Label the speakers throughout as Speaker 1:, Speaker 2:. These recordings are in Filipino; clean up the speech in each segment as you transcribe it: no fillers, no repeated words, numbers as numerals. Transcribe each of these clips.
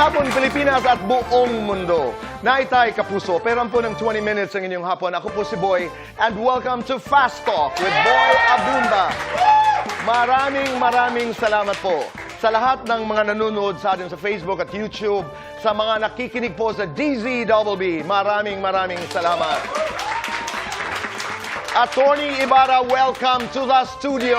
Speaker 1: hapon, Pilipinas at buong mundo. Naitay Kapuso, pero po ng 20 minutes ang inyong hapon. Ako po si Boy, and welcome to Fast Talk with Boy Abunda. Maraming salamat po sa lahat ng mga nanonood sa atin sa Facebook at YouTube, sa mga nakikinig po sa DZBB. Maraming salamat. Attorney Ibarra, welcome to the studio.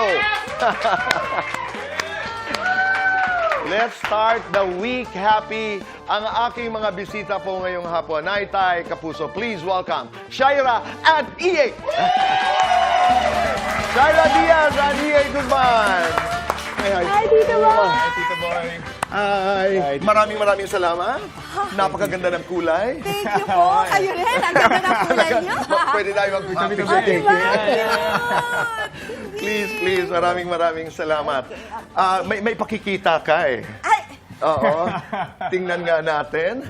Speaker 1: Let's start the week happy. Ang aking mga bisita po ngayong hapon, Naitay Kapuso. Please welcome Shaira and EA. Shaira Diaz and EA Guzman.
Speaker 2: Hi, Tito Boy.
Speaker 3: Hi, Tito Boy.
Speaker 1: Hi. Maraming salamat. Napakaganda ng kulay.
Speaker 2: Thank you po. Kayo rin. Ang ganda ng kulay niyo.
Speaker 1: Pwede tayo mag-picture.
Speaker 2: Thank you.
Speaker 1: Please. Maraming salamat. May pakikita ka eh.
Speaker 2: Ay,
Speaker 1: Oo. Tingnan nga natin.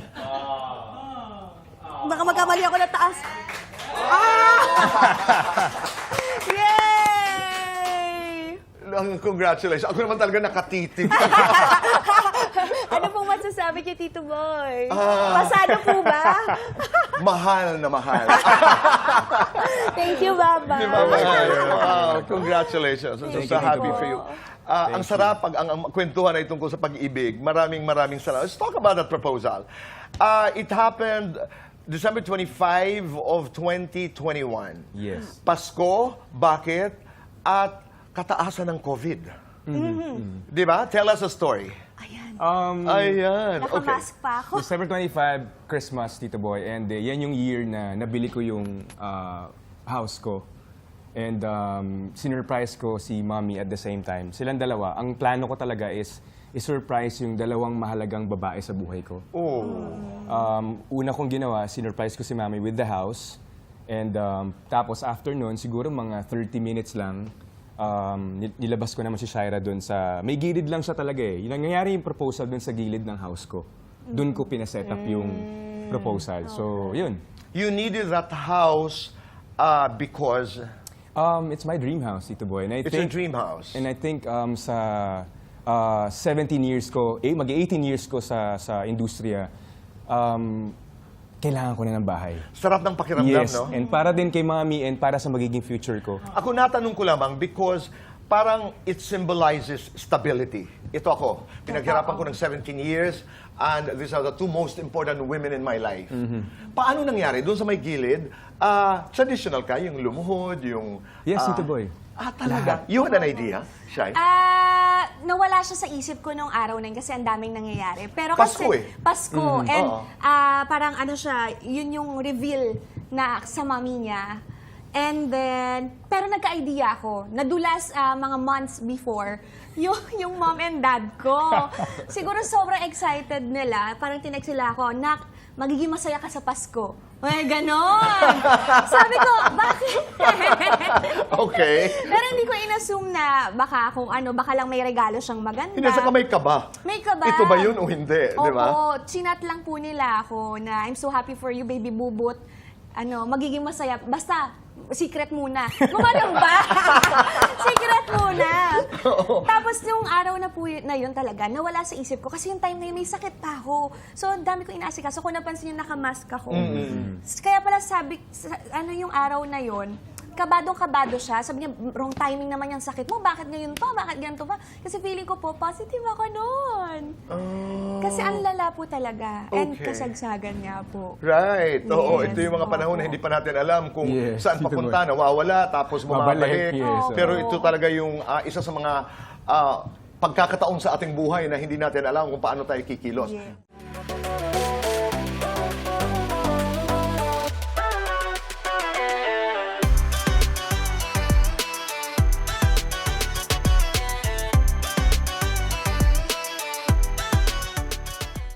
Speaker 2: baka magkamali ako na taas. Yay!
Speaker 1: Congratulations. Ako naman talaga nakatitig.
Speaker 2: Ano pong masasabi niyo, Tito Boy? Pasado po ba?
Speaker 1: Mahal na mahal.
Speaker 2: Thank you, Baba.
Speaker 1: Congratulations. I'm so happy for you. Ang sarap pag ang kwentuhan ay tungkol sa pag-ibig. Maraming salamat. Let's talk about that proposal. It happened December 25 of 2021.
Speaker 3: Yes.
Speaker 1: Pasko, bakit? At kataasan ng COVID. Di ba? Tell us a story.
Speaker 2: Ayan.
Speaker 1: Ayan. Okay.
Speaker 2: Nakamask pa ako.
Speaker 3: December 25, Christmas, Tito Boy. And yan yung year na nabili ko yung house ko. And sinurprise ko si Mommy at the same time. Silang dalawa. Ang plano ko talaga is isurprise yung dalawang mahalagang babae sa buhay ko.
Speaker 1: Oh.
Speaker 3: Una kong ginawa, sinurprise ko si Mommy with the house. And tapos after nun, siguro mga 30 minutes lang, nilabas ko naman si Shaira doon sa... May gilid lang siya talaga eh. Nangyayari yung proposal doon sa gilid ng house ko. Doon ko pinaset up yung proposal. So, yun.
Speaker 1: You needed that house because
Speaker 3: It's my dream house, Tito Boy. And I
Speaker 1: it's a dream house.
Speaker 3: And I think sa 17 years ko, mag-18 years ko sa industriya, kailangan ko na ng bahay.
Speaker 1: Sarap ng pakiramdam,
Speaker 3: Yes,
Speaker 1: no?
Speaker 3: and para din kay Mommy and para sa magiging future ko.
Speaker 1: Ako natanong ko lamang because parang it symbolizes stability. Ito ako. Pinaghirapan ko ng 17 years and these are the two most important women in my life. Paano nangyari? Doon sa may gilid, traditional ka, yung lumuhod, yung...
Speaker 3: Yes, Tito Boy.
Speaker 1: Talaga? You had an idea, Shai?
Speaker 2: Nawala siya sa isip ko nung araw na yun kasi ang daming nangyayari. Pero
Speaker 1: Pasko
Speaker 2: kasi,
Speaker 1: eh.
Speaker 2: Pasko. And
Speaker 1: Oo.
Speaker 2: parang ano siya, yun yung reveal na sa mami niya. And then, pero nagka-idea ako. Nadulas mga months before, yung mom and dad ko. Siguro sobrang excited nila. Parang tinext sila ako, "Nak, magiging masaya ka sa Pasko." Ay, ganon. Sabi ko, bakit?
Speaker 1: Okay.
Speaker 2: Pero hindi ko inassume na baka kung ano, baka lang may regalo siyang maganda.
Speaker 1: Hindi, saka may kaba.
Speaker 2: May kaba.
Speaker 1: Ito ba yun o hindi? Di ba?
Speaker 2: Oo, chinat lang po nila ako na I'm so happy for you, baby bubot. Ano, magiging masaya. Basta, secret muna. Gumanong ba? Secret muna. Tapos yung araw na po na yun talaga, nawala sa isip ko. Kasi yung time na yun, may sakit pa ako. So, ang dami ko inaasikaso. Kung napansin yung nakamask ako. Kaya pala sabi, ano yung araw na yun, kabadong-kabado siya. Sabi niya, wrong timing naman yung sakit mo. Bakit ngayon pa? Bakit ganito pa? Kasi feeling ko po, positive ako noon. Kasi ang lala po talaga. And
Speaker 1: Okay.
Speaker 2: kasagsagan niya po.
Speaker 1: Right. Oo,
Speaker 2: Yes.
Speaker 1: ito yung mga panahon na hindi pa natin alam kung
Speaker 3: Yes,
Speaker 1: saan
Speaker 3: Tito
Speaker 1: papunta, nawawala, tapos bumabalik.
Speaker 3: Babalik, yes.
Speaker 1: Pero ito talaga yung isa sa mga pagkakataon sa ating buhay na hindi natin alam kung paano tayo kikilos.
Speaker 2: Yeah.